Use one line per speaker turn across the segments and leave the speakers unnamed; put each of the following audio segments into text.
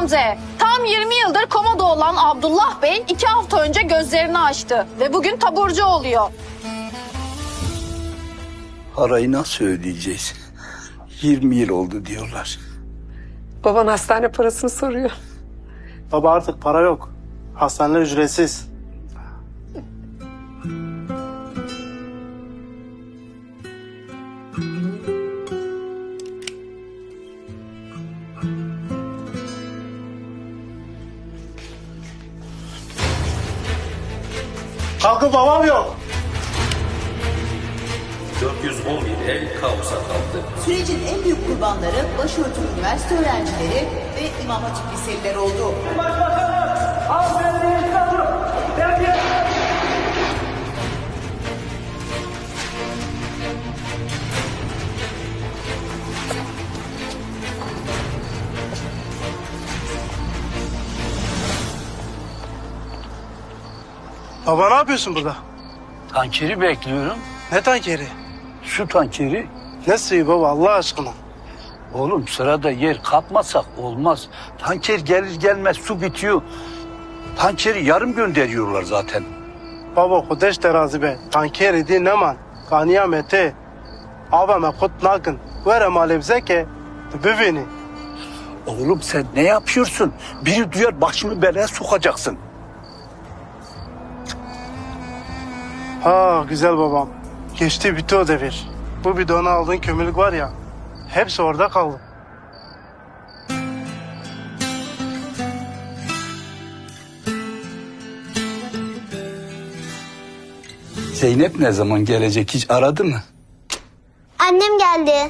Gamze. Tam 20 yıldır komada olan Abdullah Bey 2 hafta önce gözlerini açtı ve bugün taburcu oluyor.
Parayı nasıl ödeyeceğiz? 20 yıl oldu diyorlar.
Baban hastane parasını soruyor.
Baba artık para yok. Hastaneler ücretsiz. Kalkın babam yok.
411 ev kaosa kaldı.
Sürecin en büyük kurbanları başörtülü üniversite öğrencileri ve İmam Hatip liseliler oldu.
Baba ne yapıyorsun burada?
Tankeri bekliyorum.
Ne tankeri?
Su tankeri.
Ne suyu baba Allah aşkına?
Oğlum sırada yer kapmasak olmaz. Tanker gelir gelmez su bitiyor. Tankeri yarım gönderiyorlar zaten.
Baba kudeş terazi be. Tankeri di neman. Kaniyamete. Abime kut nakın. Vere malebzeke. Büveni.
Oğlum sen ne yapıyorsun? Biri duyar başımı belaya sokacaksın.
Ha güzel babam. Geçti bitti o devir. Bu bidona aldığın kömürlük var ya. Hepsi orada kaldı.
Zeynep ne zaman gelecek hiç aradı mı?
Annem geldi.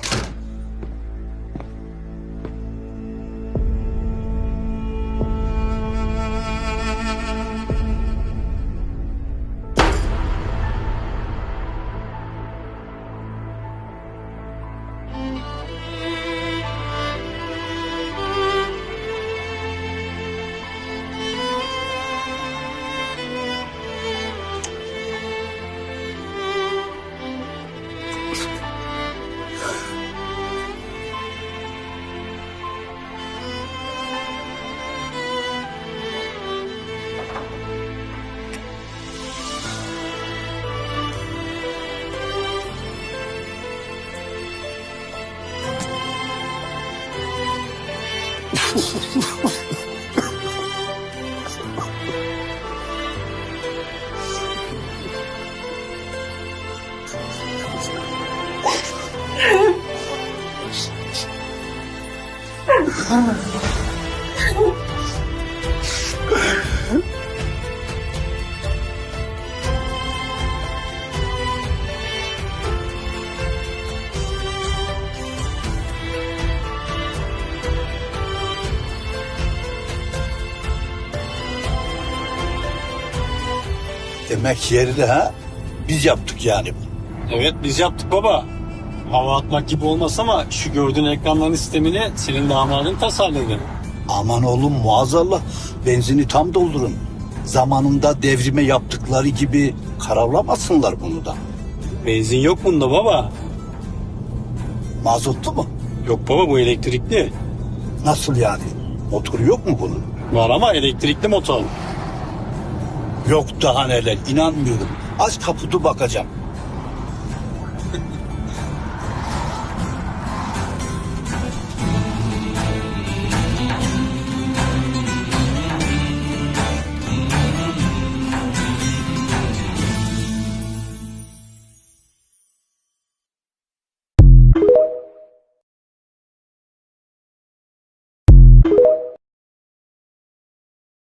Demek yerli ha? Biz yaptık yani.
Evet biz yaptık baba. Hava atmak gibi olmaz ama şu gördüğün ekranların sistemini senin damadın tasarladı.
Aman oğlum muazzallah. Benzini tam doldurun. Zamanında devrime yaptıkları gibi karavlamasınlar bunu da.
Benzin yok bunda baba.
Mazotlu mu?
Yok baba bu elektrikli.
Nasıl yani? Motoru yok mu bunun?
Var ama elektrikli motor.
Yok daha neler inanmıyorum. Aç kaputu bakacağım.